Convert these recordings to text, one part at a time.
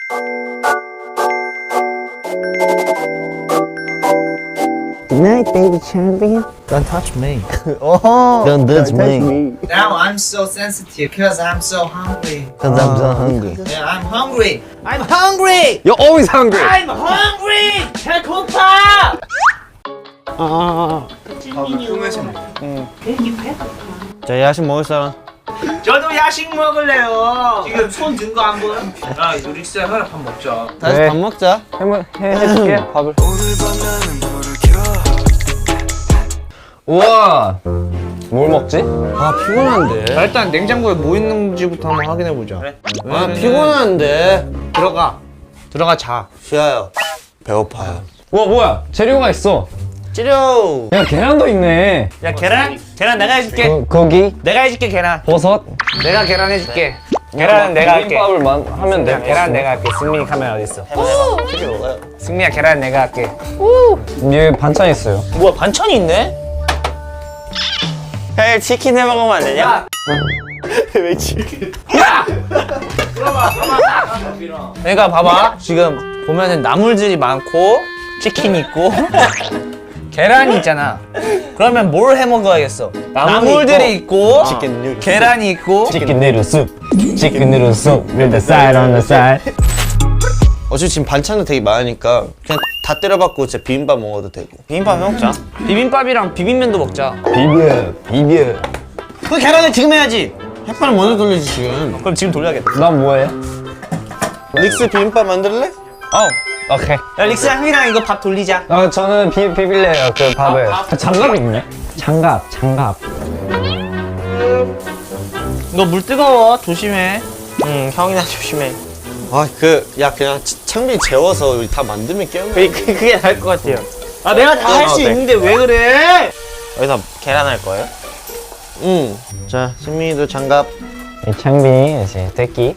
Good night, baby champion. Don't touch me. Oh, don't touch me. Now I'm so sensitive because I'm so hungry. Cause I'm so hungry. Yeah, I'm hungry. I'm hungry. You're always hungry. I'm hungry. 배고파. 자, 야식 먹을 사람. 저도 야식 먹을래요. 지금 손 든 거 안 보여? 야, 이거 릭스야, 하나 밥 먹자. 다시 네. 밥 먹자. 해줄게 밥을. 우와. 뭘 먹지? 아, 피곤한데. 자, 일단 냉장고에 뭐 있는지부터 한번 확인해 보자. 그래. 아, 피곤한데. 들어가 자. 쉬어요. 배고파요. 우와 뭐야? 재료가 있어. 찌려. 야 계란도 있네. 야, 계란 내가 해줄게. 고기, 내가 해줄게 계란. 버섯. 내가 계란 해줄게. 계란은 내가 할게. 비빔밥을 하면 돼. 계란 내가 할게. 승민이 카메라 어디 있어? 찌개 먹어요. 승민아 계란 내가 할게. 위에 반찬 있어요. 뭐야 반찬이 있네? 형 치킨 해 먹으면 안 되냐? 왜 치킨? 그러니까 봐봐 지금 보면은 나물들이 많고 치킨이 있고 계란이 있잖아. 그러면 뭘 해 먹어야겠어? 나물들이 있고 치킨 누들. 계란이 있고 치킨 누들 숲. 치킨 누들 숲. With the side on the side. 어차피 지금 반찬도 되게 많으니까 그냥 다 때려박고 진짜 비빔밥 먹어도 되고. 비빔밥 먹자. 비빔밥이랑 비빔면도 먹자. 비벼. 그 계란을 지금 해야지. 햇반을 먼저 돌리지 지금. 그럼 지금 돌려야겠다. 난 뭐해? 릭스 비빔밥 만들래? 오케이. 야 릭스야 형이랑 이거 밥 돌리자. 저는 비빌래요 그 밥을. 장갑 있네. 장갑. 너 물 뜨거워 조심해. 형이나 조심해. 아 야 그냥 창빈 재워서 우리 다 만들면 깨우는. 그게 나을 것 같아요. 아 내가 다 할 수 네. 있는데 왜 그래? 여기다 계란 할 거예요? 응. 자 승민이도 장갑. 창빈이 이제 새끼.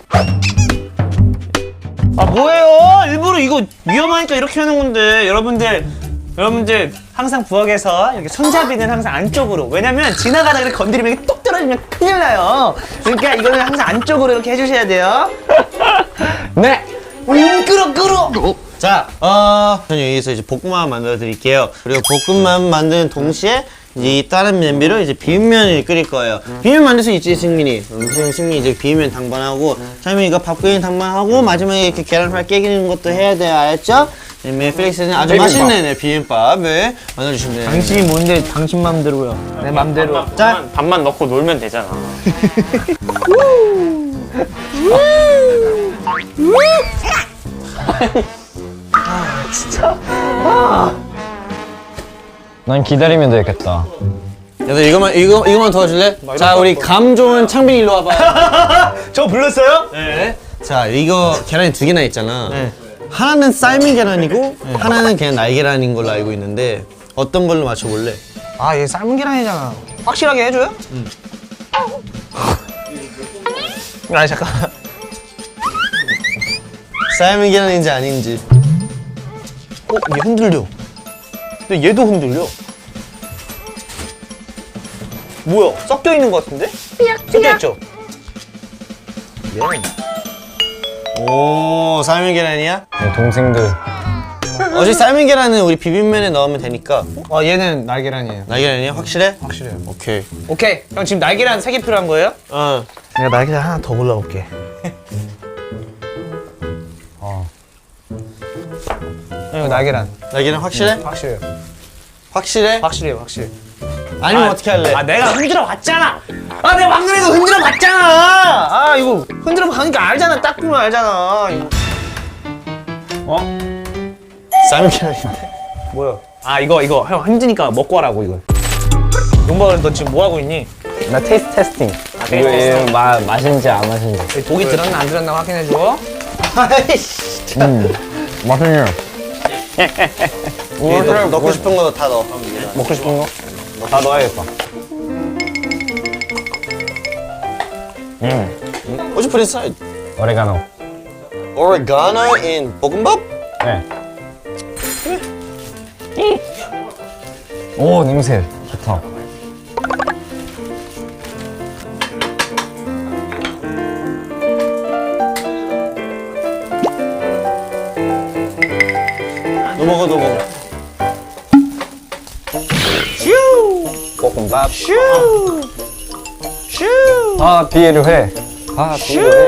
아 뭐예요? 일부러 이거 위험하니까 이렇게 하는 건데 여러분들 항상 부엌에서 이렇게 손잡이는 항상 안쪽으로. 왜냐면 지나가다가 이렇게 건드리면 이게 똑 떨어지면 큰일 나요. 그러니까 이거는 항상 안쪽으로 이렇게 해주셔야 돼요. 네. 끌어. 자, 저는 여기서 이제 볶음밥 만들어 드릴게요. 그리고 볶음밥 만드는 동시에 이 다른 냄비로 이제 비빔면을 끓일 거예요. 비빔면 만들 수 있지, 승민이. 승민이 이제 비빔면 당번하고, 차이민이가 밥 끓이는 당번하고, 마지막에 이렇게 계란прав 깨기는 것도 해야 돼요, 알았죠? 그다음에 필릭스는 아주 비빔밥. 맛있는 비빔밥을 만들어주시면 돼요. 당신이 뭔데 당신 맘대로요. 내 맘대로. 자, 밥만 넣고 놀면 되잖아. 난 기다리면 되겠다. 얘들 이거만 도와줄래? 자, 우리 감 좋은 창빈이 일로 와봐요. 저 불렀어요? 네. 자, 이거 계란이 두 개나 있잖아. 하나는 삶은 계란이고 하나는 그냥 날계란인 걸로 알고 있는데 어떤 걸로 맞춰볼래? 아 얘 삶은 계란이잖아. 확실하게 해줘요? 아니 잠깐. 삶은 계란인지 아닌지. 얘 흔들려. 근데 얘도 흔들려. 뭐야? 섞여 있는 것 같은데? 섞여 있죠? 오, 삶은 계란이야? 내 동생들. 어차피 삶은 계란은 우리 비빔면에 넣으면 되니까. 아 얘는 날계란이에요. 날계란이야? 확실해? 확실해요. 오케이. 오케이. 형 지금 날계란 3개 필요한 거예요? 어. 내가 날계란 하나 더 골라볼게. 이거 날계란. 날계란 확실해? 확실해요. 확실해? 확실해요. 확실해. 아니면 어떻게 할래? 아 내가 흔들어 봤잖아. 아 내가 방금 이거 흔들어 봤잖아. 아 이거 흔들어 가니까 알잖아. 딱 보면 알잖아. 이거. 삶은 계란인데. 뭐야? 아 이거 형 힘드니까 먹고 하라고 이거. 용박아 너 지금 뭐 하고 있니? 나 테이스트 테스팅. 이거 맛있는지 안 맛있는지. 독이 들었나 안 들었나 확인해 줘. 아이씨. 맛있네요. 넣고 싶은 거 다 넣어. 먹고 싶은 거? 다 넣어야겠다. What you put inside? 오레가노. Oregano in 볶음밥? 네. 오 냄새 좋다. 너 먹어, 너 먹어. 볶음밥. 슈. 아, 비에를 해. 아, 비에를 해.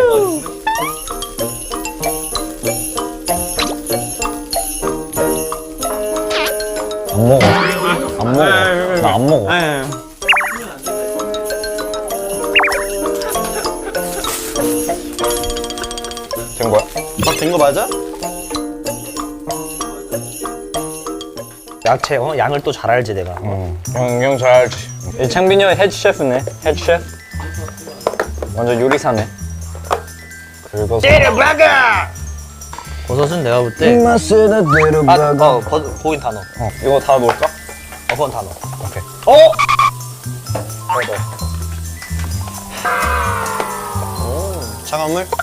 안 먹어. 안 먹어. 나 안 먹어. 된 거야? 된 거 맞아? 야채 양을 또 잘 알지 내가. 형 잘 알지. 이 창빈이 형 헤드 셰프네. 헤드 셰프. 완전 요리사네. 긁어서. 때려박아. 버섯은 내가 볼 때. 맛을 들어봐. 거긴 다 넣어. 이거 다 넣을까? 그건 다 넣어. 오케이. 차가운 물?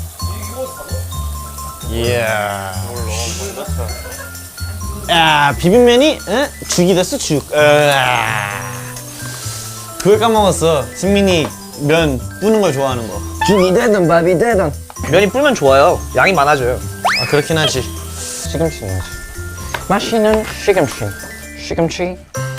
이야. 야, 비빔면이 죽이 됐어, 죽. 그걸 까먹었어. 승민이 면 뿌는 걸 좋아하는 거. 죽이 되든 밥이 되든. 면이 불면 좋아요. 양이 많아져요. 아, 그렇긴 하지. 시금치 넣어야지. 맛있는 시금치. 시금치.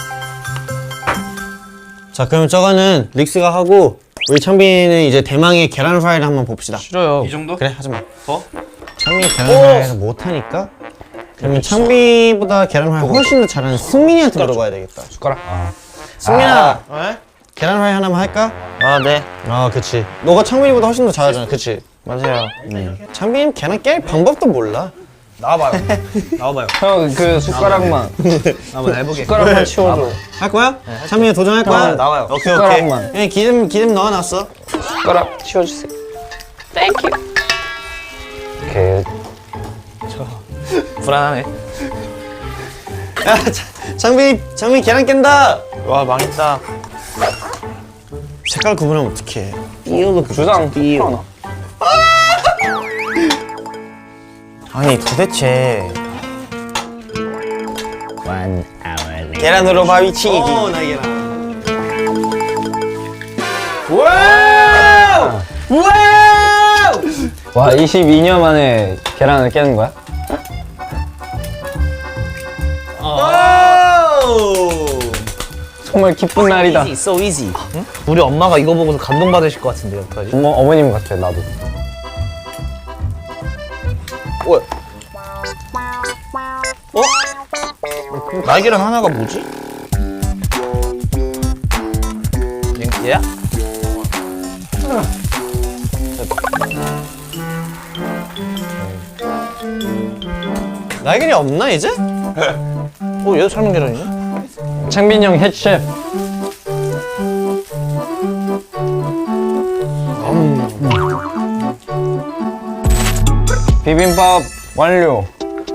자, 그럼 저거는 릭스가 하고 우리 창빈이는 이제 대망의 계란 후라이를 한번 봅시다. 싫어요. 이 정도? 그래, 하지 마. 더? 창빈이 계란 후라이를 못하니까 그러면 창빈이보다 계란 후라이 훨씬 더 잘하는 승민이한테 물어봐야 되겠다. 숟가락. 아. 승민아, 계란 후라이 하나만 할까? 아 네. 아, 그치. 너가 창빈이보다 훨씬 더 잘하잖아, 그치? 맞아요. 창빈이는 계란 깰 방법도 몰라. 나와봐요. 나와봐요. 형 그 숟가락만. 한번 해보게. 숟가락만 치워줘. 할 거야? 창빈이 도전할 거야? 나와요. 오케이, 오케이. 숟가락만. 예, 기름 넣어놨어. 숟가락 치워주세요. 땡큐. 이렇게. 불안하네. 야, 창빈이 계란 깬다. 와 망했다. 색깔 구분하면 어떡해. 주장 삐. 아니 도대체 계란으로 바위 치기. 나의 계란. 와우! 와우! 와, 22년 만에 계란을 깨는 거야? 정말 기쁜 날이다. Easy, so easy. 응? 우리 엄마가 이거 보고서 감동받으실 것 같은데 어떡하지? 어머님 같아, 나도. 날계란 하나가 뭐지? 얘야? 날개리 없나 이제? 얘도 삶은 계란이네? 창빈이 형 헤드 셰프. 비빔밥 완료.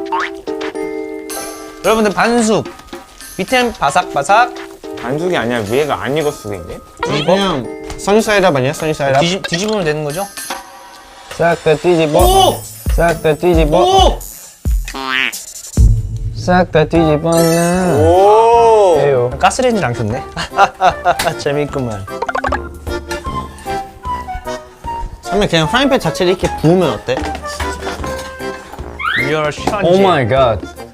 여러분들 반숙. 밑엔 바삭바삭. 반숙이 아니라 위에가 안 익었을 수도 있네. 그냥 써니사이드업 아니야? 써니사이드업? 뒤집으면 되는 거죠? 싹 다 뒤집어. 오! 싹 다 뒤집어. 오! 싹 다 뒤집어는. 오! 에요. 가스레인지를 안 켰네. 재미있구만. 처음에 그냥 프라이팬 자체를 이렇게 부으면 어때? You're shunty. 오 마이 갓.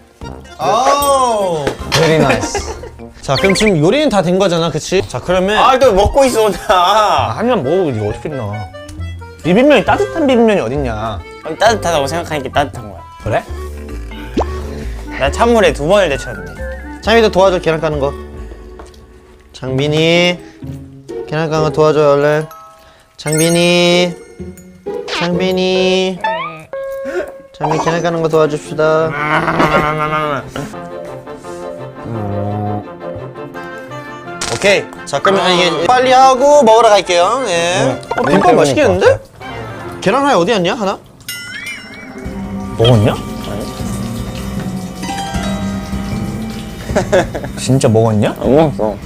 오! Very nice. 자, 그럼 지금 요리는 다 된 거잖아, 그치? 자, 그러면 또 먹고 있어 나. 한면 먹어보고 이거 어떻게 나? 비빔면이 따뜻한 비빔면이 어딨냐? 따뜻하다고 생각하니까 따뜻한 거야. 그래? 나 찬물에 2번을 데쳤는데. 창빈이도 도와줘, 계란 까는 거. 장빈이 계란 까는 거 도와줘, 얼른. 장빈이 장빈이 계란 까는 거 도와줍시다. 오케이. 자, 그러면 이게 빨리 하고 먹으러 갈게요. 예. 비빔밥 맛있겠는데? 계란 후라이 어디 갔냐? 하나? 먹었냐? 진짜 먹었냐? 안 먹었어.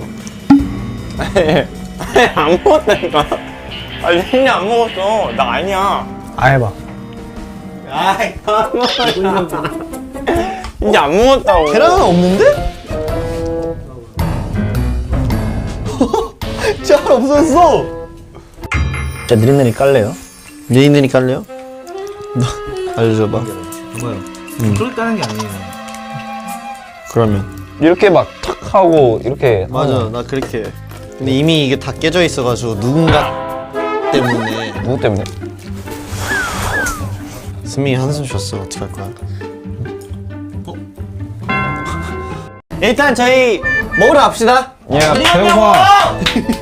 안 먹었다니까. 아니 진짜 안 먹었어. 나 아니야. 아 해봐. 아이 안 먹었다. 진짜 안 먹었다고. 계란은 없는데? 잘 없었어. 진짜 느릿느릿 깔래요? 네이늘이 깔래요? 너 알려줘봐. 그렇게 까는 게 아니에요. 그러면 이렇게 막 탁 하고 이렇게 맞아 나 그렇게 해. 근데 이미 이게 다 깨져 있어가지고 누군가 때문에 누구 때문에? 승민이 한숨 쉬었어. 어떡할 거야? 일단 저희 먹으러 갑시다. 야 배고파.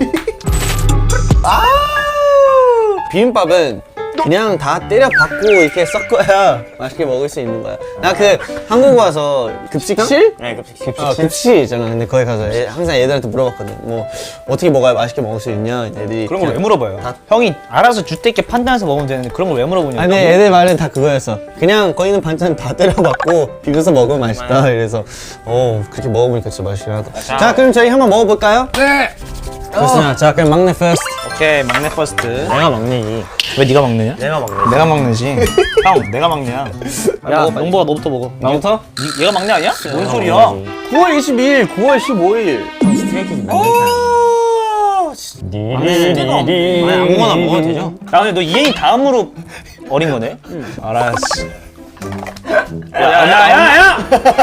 비빔밥은 그냥 다 때려 박고 이렇게 섞어야 맛있게 먹을 수 있는 거야. 나 그 한국 와서 급식실? 네, 급식. 급식실 있잖아. 근데 거기 가서 항상 애들한테 물어봤거든. 뭐 어떻게 먹어야 맛있게 먹을 수 있냐. 애들이 그런 걸 왜 물어봐요? 형이 알아서 주대 있게 판단해서 먹으면 되는데 그런 걸 왜 물어보냐고. 아니 애들 말은 다 그거였어. 그냥 거기 있는 반찬 다 때려박고 비벼서 먹으면 맛있다. 이래서 그렇게 먹어보니까 진짜 맛있긴 하다. 자 그럼 저희 한번 먹어볼까요? 네. 좋습니다. 자 그럼 막내 퍼스트. 오케이, 막내 퍼스트. 내가 막내지. 왜 네가 막내냐? 내가 막내. 내가 막내지. 형, 내가 막내야. 야, 용보가 너부터 먹어. 나부터? 얘가 막내 아니야? 뭔 소리야? 9월 22일, 9월 15일. 아니 아무거나 먹어도 되죠? 야, 근데 너 이행이 다음으로 어린 거네? 알았어. 야!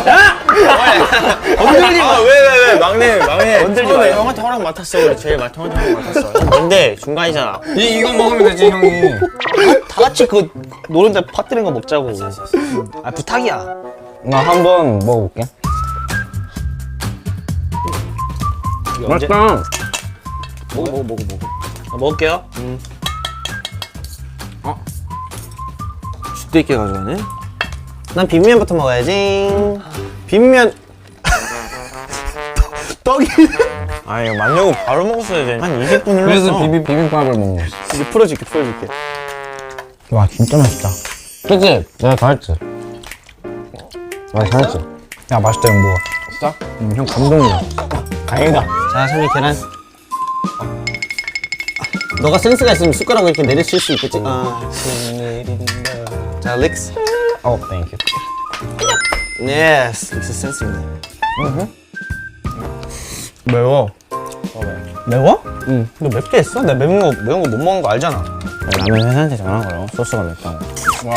건들지 마. 왜 막내. 건들지 마. 형한테 허락 맡았어. 우리 제일 형한테 허락 맡았어. 근데 중간이잖아. 이거 먹으면 되지 형이. 다 같이 그 노른자 퍼뜨린 거 먹자고. 아, 부탁이야. 나 한번 먹어볼게. 맛있다. 먹어. 먹을게요. 주도 있게 가져가네. 난 비빔면부터 먹어야지. 비빔면. 떡이. 아 이거 만들고 바로 먹었어야 돼. 한 20분 흘렀어. 그래서 비빔밥을 먹는 거지. 이제 풀어줄게. 와 진짜 맛있다. 그치? 내가 다 했지. 나 잘했지. 야, 맛있다, 용보가. 진짜? 형 감동이야. 다행이다. 자, 선이 계란. 너가 센스가 있으면 숟가락을 이렇게 내리칠 수 있겠지? 자, 릭스. 땡큐. 예스. 릭스 센스 있네. 매워. 매워? 응. 너 맵게 했어? 나 매운 거 못 먹는 거 알잖아. 라면 회사한테 전화 걸어. 소스가 맵다고. 와.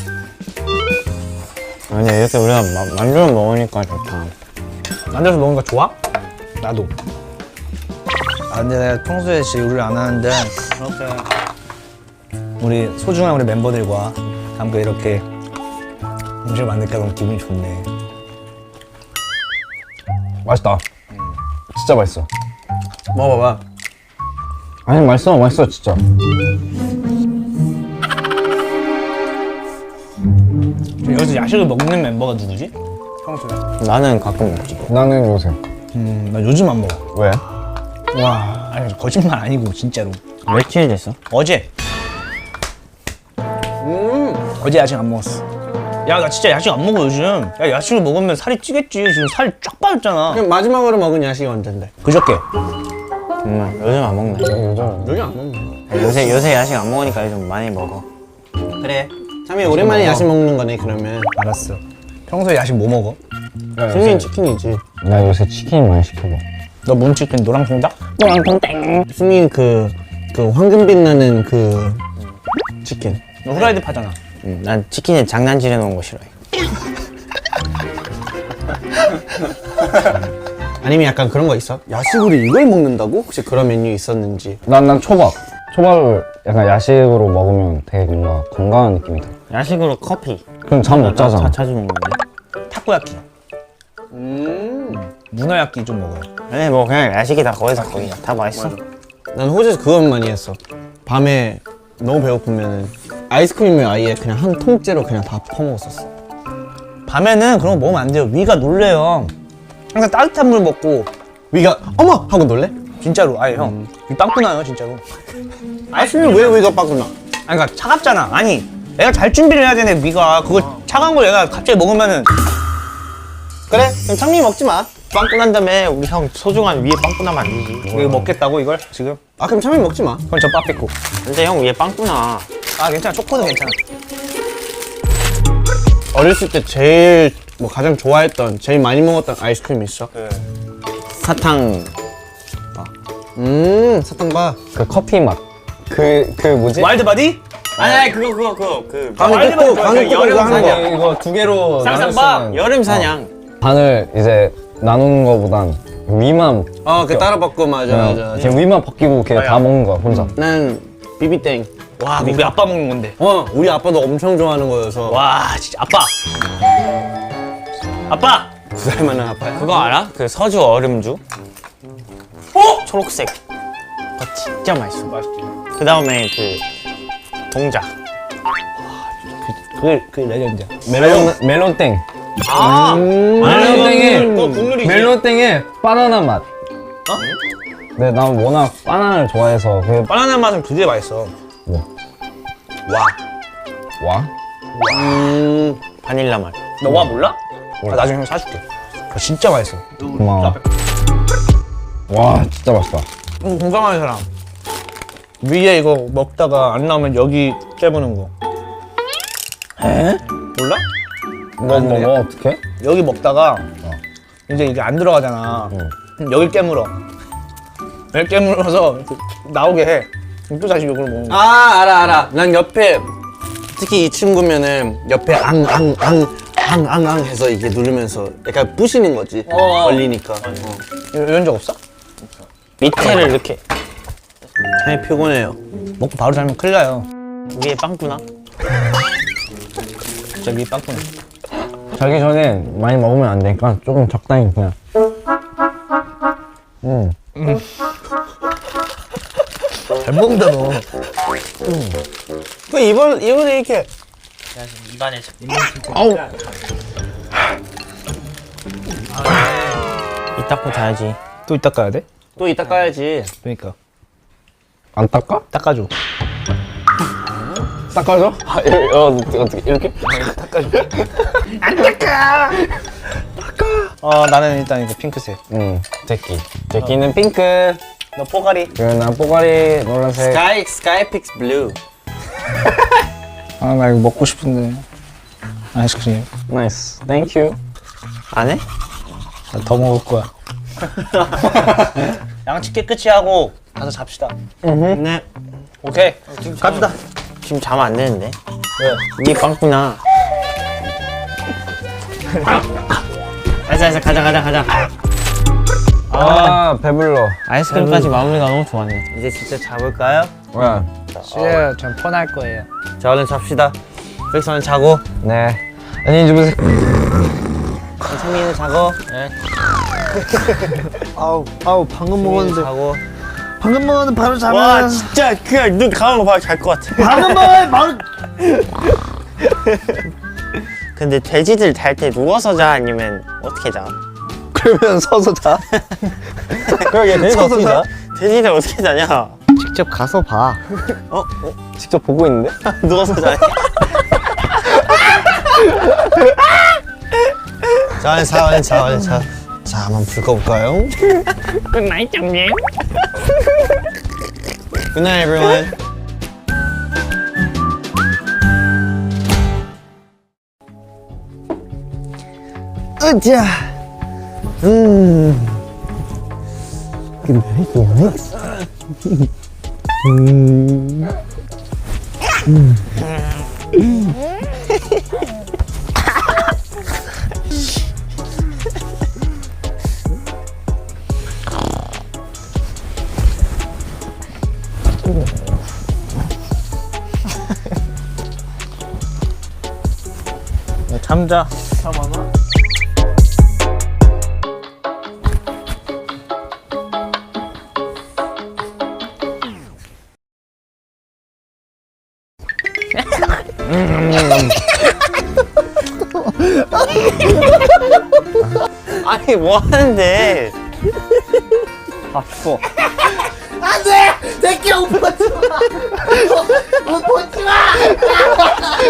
아니 이렇게 우리가 만두를 먹으니까 좋다. 만들어서 먹는 거 좋아? 나도. 아, 근데 내가 평소에 진짜 요리를 안 하는데 이렇게 우리 소중한 우리 멤버들과 함께 이렇게 음식을 만들까 너무 기분이 좋네. 맛있다. 진짜 맛있어. 먹어봐봐. 아니 맛있어 진짜. 여기서 야식을 먹는 멤버가 누구지? 평소에. 나는 가끔 먹지. 나는 요새. 나 요즘 안 먹어. 왜? 와, 아니 거짓말 아니고 진짜로. 며칠 됐어? 어제. 어제 야식 안 먹었어. 야, 나 진짜 야식 안 먹어 요즘. 야, 야식을 먹으면 살이 찌겠지. 지금 살이 쫙 빠졌잖아. 그럼 마지막으로 먹은 야식이 언젠데? 그저께. 정말 요즘 안 먹네. 요즘. 여기 안 먹네. 요새 야식 안 먹으니까 요즘 많이 먹어. 그래. 참이 오랜만에 야식 먹는 거네, 그러면. 알았어. 평소에 야식 뭐 먹어? 승민 치킨이지. 나 요새 치킨 많이 시켜봐. 너 문치킨 노랑통닭? 승민 그 황금빛 나는 그 치킨. 너 후라이드 파잖아. 난 치킨에 장난질 해놓은 거 싫어해. 아니면 약간 그런 거 있어? 야식으로 이걸 먹는다고? 혹시 그런 메뉴 있었는지. 난 초밥. 초밥을 약간 야식으로 먹으면 되게 뭔가 건강한 느낌이 들어. 야식으로 커피. 그럼 잠 못 자잖아. 자주 먹는데. 타코야끼. 문어야끼 좀 먹어요. 아니 뭐 그냥 야식이 다 거기서 거기야. 다 맛있어. 난 호주에서 그건 많이 했어. 밤에 너무 배고프면은 아이스크림을 아예 그냥 한 통째로 그냥 다 퍼먹었었어. 밤에는 그런 거 먹으면 안 돼요. 위가 놀래요. 항상 따뜻한 물 먹고. 위가 어머! 하고 놀래? 진짜로. 아니 형. 위 빵꾸 나요 진짜로. 아이스크림 왜 위가 빠꾸나? 아니 그러니까 차갑잖아. 아니 애가 잘 준비를 해야 되네 위가. 그걸 차가운 걸 얘가 갑자기 먹으면은. 그래? 그럼 창민이 먹지 마. 빵꾸 난 다음에 우리 형 소중한 위에 빵꾸 나면 안 되지. 이거 먹겠다고 이걸 지금? 아 그럼 창민이 먹지 마. 그럼 저 빠삐고. 근데 형 위에 빵꾸 나. 아 괜찮아. 초코는 괜찮아. 어렸을 때 제일 뭐 가장 좋아했던 제일 많이 먹었던 아이스크림 있어? 사탕. 사탕바. 그 커피 맛. 그 뭐지? 와일드 바디? 아니 그거 방금 뜯고 여름 이거 하는 거. 이거 두 개로 쌍쌍바? 나눴으면 여름 사냥. 반을 이제 나누는 거보단 위만 그 따로 바꿔 맞아. 그냥 위만 벗기고 그냥 다 먹는 거야 혼자. 난 비비땡. 와, 우리 아빠 먹는 건데. 우리 아빠도 엄청 좋아하는 거여서. 와, 진짜 아빠. 아빠. 2살 많은 아빠야. 그거 알아? 그 서주 얼음주? 초록색. 그거 진짜 맛있어. 맛있지. 그 다음에 그 동자. 그 레전드야. 멜론땡. 그거 국룰이지. 멜론땡에 바나나 맛. 네, 난 워낙 바나나를 좋아해서 그 바나나 맛은 그게 맛있어. 와? 바닐라 맛. 너 와 몰라? 나중에 형 사줄게. 그거 진짜 맛있어. 고마워. 와, 진짜 맛있다. 공감하는 사람. 위에 이거 먹다가 안 나오면 여기 깨무는 거. 에? 몰라? 뭐 어떻게? 여기 먹다가 이제 이게 안 들어가잖아. 그럼 여기 깨물어. 여기 깨물어서 이렇게 나오게 해. 그럼 또 다시 이걸 먹는 거야. 알아. 난 옆에 특히 이 친구면은 옆에 앙 해서 이게 누르면서 약간 부시는 거지. 걸리니까. 이런 적 없어? 밑에를 이렇게 많이 피곤해요. 먹고 바로 자면 큰일 나요. 위에 빵꾸나? 저기 빵꾸네. 자기 전에 많이 먹으면 안 되니까 조금 적당히 그냥. 잘 먹는다 너. 그 이번에 이렇게 입안에 아우. 이 닦고 자야지. 또 이따 까야 돼? 또 이따 까야지. 그러니까 안 닦아? 닦아줘. 닦아줘? 어떻게 이렇게? 나는 일단 이거 핑크색. 제끼는 핑크. 너 뽀가리. 그리고 난 뽀가리 노란색. 스카이픽스 블루. 아 나 이거 먹고 싶은데. 아이스크림. 나이스. 땡큐. 안 해? 나 더 먹을 거야. 양치 깨끗이 하고 가서 잡시다. 네. 오케이. 갑시다. 지금 자면 안 되는데. 왜? 위에 빵꾸나. 알았어, 가자. 아, 배불러. 아이스크림까지 마무리가 너무 좋았네. 이제 진짜 자볼까요? 뭐야? 예, 전 폰할 거예요. 자 얼른 잡시다. 픽스 얼른 자고. 네. 안녕히 주무세요. 창민이는 자고. 네. 아우 방금 먹었는데. 자고. 방금 먹었는데 바로 자면. 와, 진짜 그냥 눈 감은 거 봐도 잘 것 같아. 방금 먹어 바로. 근데 돼지들 잘 때 누워서 자 아니면 어떻게 자? 그러면 서서 자. 그러게, 돼지 서서 자. 돼지들 어떻게 자냐? 직접 가서 봐. 직접 보고 있는데? 누워서 자냐? 자 얼른 자. 자 한번 불 꺼볼까요? 굿나잇 장님. Good night everyone. 으쌰. 잠자. 아니 뭐 하는데? 아, 추워. 안돼! 새끼야 옷 벗지 마! 옷 벗지 마!